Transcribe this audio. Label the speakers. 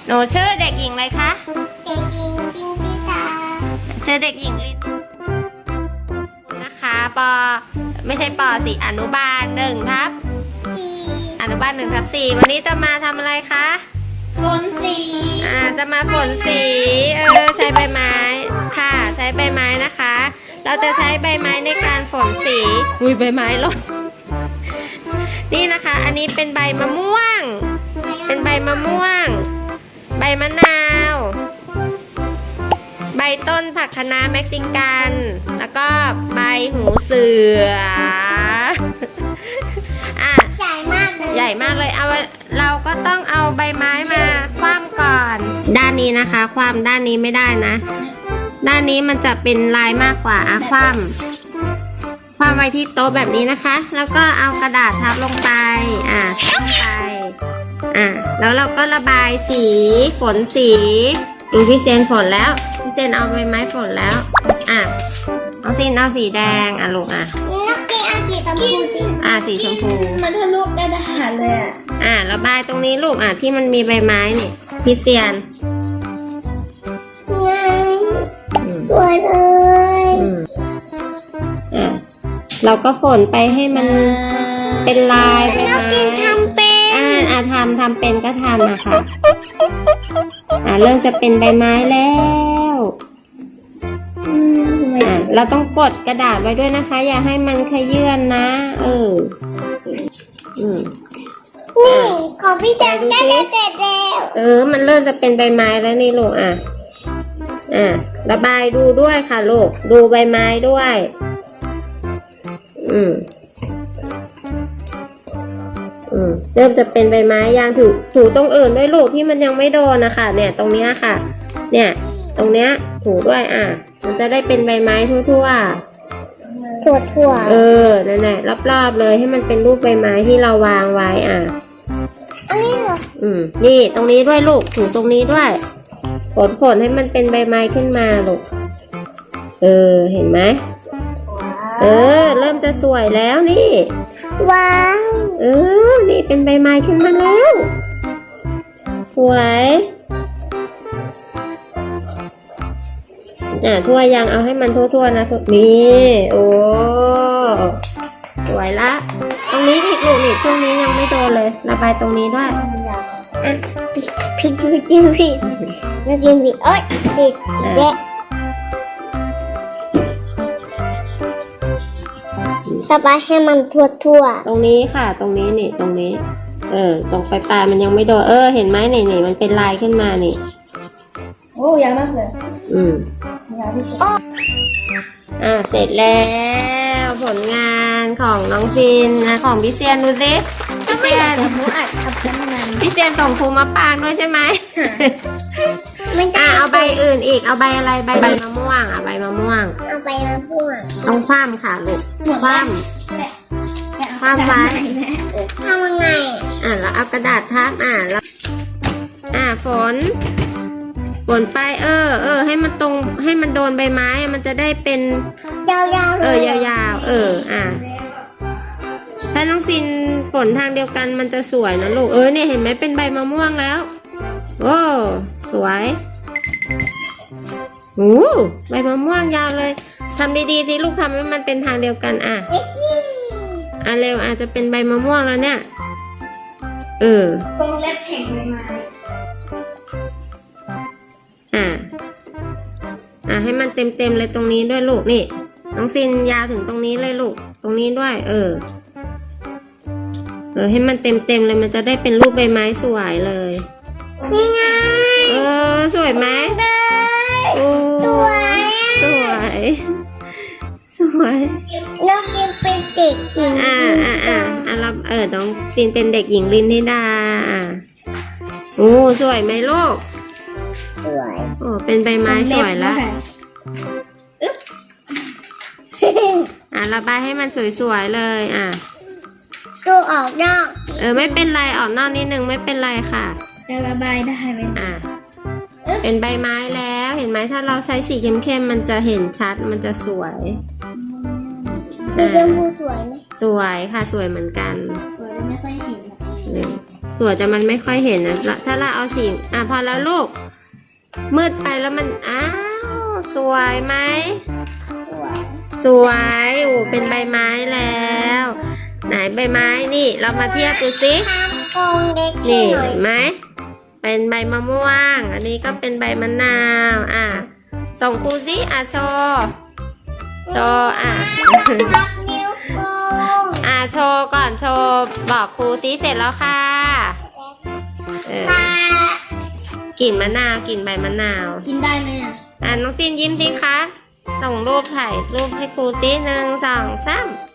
Speaker 1: หนูชื่อเด็กหญิงอะไรคะ
Speaker 2: เด็กหญิงจินติตา
Speaker 1: ชื่อเด็กหญิงลินนะคะไม่ใช่ปสิอนุบาล1 ทับ
Speaker 2: จี
Speaker 1: อนุบาล1 ทับ 4วันนี้จะมาทำอะไรคะ
Speaker 2: ฝนสี
Speaker 1: จะมาฝนสีใช้ใบไม้ค่ะใช้ใบไม้นะคะ เราจะใช้ใบไม้ในการฝนสีใบไม้หล่นนี่นะคะ อันนี้เป็นใบมะม่วง เป็นใบมะม่วง ใบมะนาว ใบต้นผักคะน้าเม็กซิกัน แล้วก็ใบหูเสือ
Speaker 2: ใหญ่มากเลย
Speaker 1: ใหญ่มากเลยเราก็ต้องเอาใบไม้มาคว่ำก่อน ด้านนี้นะคะคว่ำด้านนี้ไม่ได้นะ ด้านนี้มันจะเป็นลายมากกว่าคว่ำไว้ที่โต๊ะแบบนี้นะคะ แล้วก็เอากระดาษทับลงไปทับลงไปแล้วเราก็ระบายสีฝนสีดูพี่เซนฝนแล้วพี่เซนเอาใบไม้ฝนแล้วเอาสีแดงลูก
Speaker 2: นักเรียนสีชมพูจริง
Speaker 1: สีชมพู
Speaker 2: มันทะลุกระดาษเลย
Speaker 1: ระบายตรงนี้ลูกที่มันมีใบไม้นี่พี่เซียน
Speaker 2: สวยเลย
Speaker 1: เราก็ฝนไปให้มันเป็นลายใบไม้
Speaker 2: นักเรียนทำเป็น
Speaker 1: ทำเป็นก็ทำค่ะเริ่มจะเป็นใบไม้แล้วเราต้องกดกระดาษไว้ด้วยนะคะ อย่าให้มันขยื่นนะ
Speaker 2: นี่ของพี่จันได้เสร็จแล้ว
Speaker 1: มันเริ่มจะเป็นใบไม้แล้วนี่ลูกระบายดูด้วยค่ะลูกดูใบไม้ด้วยเริ่มจะเป็นใบไม้ยางถูตรงอื่นด้วยลูกที่มันยังไม่โดนนะคะเนี่ยตรงเนี้ยค่ะเนี่ยตรงเนี้ยถูด้วยมันจะได้เป็นใบไม้ทั่วนั่นแหละรอบๆเลยให้มันเป็นรูปใบไม้ที่เราวางไว้
Speaker 2: อันนี้เหรอ
Speaker 1: นี่ตรงนี้ด้วยลูกถูตรงนี้ด้วยฝนให้มันเป็นใบไม้ขึ้นมาลูกเห็นไหมเริ่มจะสวยแล้วนี่
Speaker 2: ว้าว
Speaker 1: นี่เป็นใบไม้ขึ้นมาแล้วสวยทั่วยังเอาให้มันทั่วๆนะนี่โอ้สวยละตรงนี้อีกลูกนี่ช่วงนี้ยังไม่โดนเลยระบายตรงนี้ด้วย
Speaker 2: ผิดนักเรียนผิดเอ้ยผิดเด็กระบายให้มันทั่ว
Speaker 1: ตรงนี้ค่ะตรงนี้นี่ตรงนี้ตรงไฟปลายมันยังไม่โดนเห็นไหมนี่มันเป็นลายขึ้นมานี่
Speaker 2: โอ้ยาวมากเลยยาวที่สุด
Speaker 1: เสร็จแล้วผลงานของน้องฟินของพี่เซียนดูสิ
Speaker 2: พี่เซียน
Speaker 1: พี่เซียนส่งครูมาปางด้วยใช่ไหมเอาใบอื่นอีกเอาใบอะไรใบมะม่วงใบมะม่วง
Speaker 2: เอาใบมะม่วง
Speaker 1: ต้องคว่ำค่ะลูกคว่ำไว้
Speaker 2: ทำยังไง
Speaker 1: แล้วเอากระดาษทับแล้วฝนไปให้มันตรงให้มันโดนใบไม้มันจะได้เป็น
Speaker 2: ยาว
Speaker 1: ๆยาวถ้าน้องซินฝนทางเดียวกันมันจะสวยนะลูกเนี่ยเห็นไหมเป็นใบมะม่วงแล้วโอ้สวยใบมะม่วงยาวเลยทำดีๆสิลูกทำให้มันเป็นทางเดียวกันเร็วอาจจะเป็นใบมะม่วงแล้วเนี่ยว
Speaker 2: งเล็บแห่งใบไม้
Speaker 1: ให้มันเต็มเลยตรงนี้ด้วยลูกนี่น้องซินยาวถึงตรงนี้เลยลูกตรงนี้ด้วยให้มันเต็มเลยมันจะได้เป็นรูปใบไม้สวยเลย
Speaker 2: นี่ไง
Speaker 1: สวยไหมสวย
Speaker 2: น้องซินเป็นเด็กหญิง
Speaker 1: น้องซินเป็นเด็กหญิงลินธิดาสวยไหมลูก
Speaker 2: สวย
Speaker 1: เป็นใบไม้สวยแล้วระบายให้มันสวยๆเลย
Speaker 2: ดูออกนอก
Speaker 1: ไม่เป็นไรออกนอกนิดนึงไม่เป็นไรค่ะ
Speaker 2: จะระบายได้ไหม
Speaker 1: เป็นใบไม้แล้วเห็นไหมถ้าเราใช้สีเข้มๆมันจะเห็นชัดมันจะสวย
Speaker 2: สีชมพูสวยไหม
Speaker 1: สวยค่ะสวยเหมือนกัน
Speaker 2: สวยไม่ค่อยเห็น
Speaker 1: สวยแต่มันไม่ค่อยเห็นนะถ้าเราเอาสีพอแล้วลูกมืดไปแล้วมันอ้าวสวยไหมสวยโอ้เป็นใบไม้แล้ว ไหนใบไม้นี่เรามาเทียบดูสิ
Speaker 2: ทำกรงเล็ก
Speaker 1: นี่
Speaker 2: หน่อย
Speaker 1: เห็นไหมเป็นใบมะม่วงอันนี้ก็เป็นใบมะนาวส่งครูสิโชว์โชว์
Speaker 2: พับนิ้วโป้ง
Speaker 1: โชว์ก่อนโชว์บอกครูสิเสร็จแล้วค่ะ
Speaker 2: ปลาก
Speaker 1: ลิ่นมะนาวกลิ่นใบมะนาว
Speaker 2: กินได้ไหม
Speaker 1: น้องซินยิ้มสิคะส่งรูปถ่ายรูปให้ครูสิ1 2 3